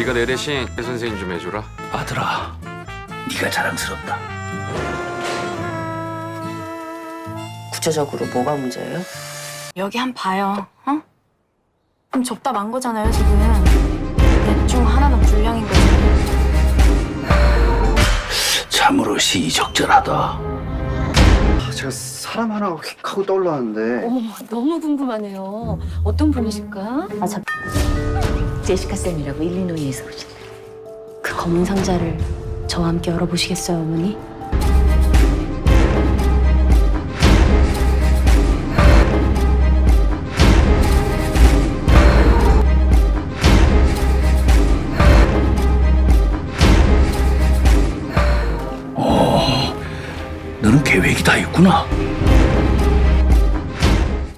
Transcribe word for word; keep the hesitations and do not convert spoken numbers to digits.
네가 내 대신 내 선생님 좀 해줘라. 아들아, 네가 자랑스럽다. 구체적으로 뭐가 문제예요? 여기 한 봐요. 어? 그럼 접다 만 거잖아요, 지금. 넷 중 하나는 불량인 거지. 참으로 시의적절하다. 아, 제가 사람 하나가 휙 하고 떠올랐는데 어머, 너무 궁금하네요. 어떤 분이실까? 아, 저 제시카 쌤이라고 일리노이에서 오신대. 그 검은 상자를 저와 함께 열어보시겠어요, 어머니? 너는 계획이 다 있구나.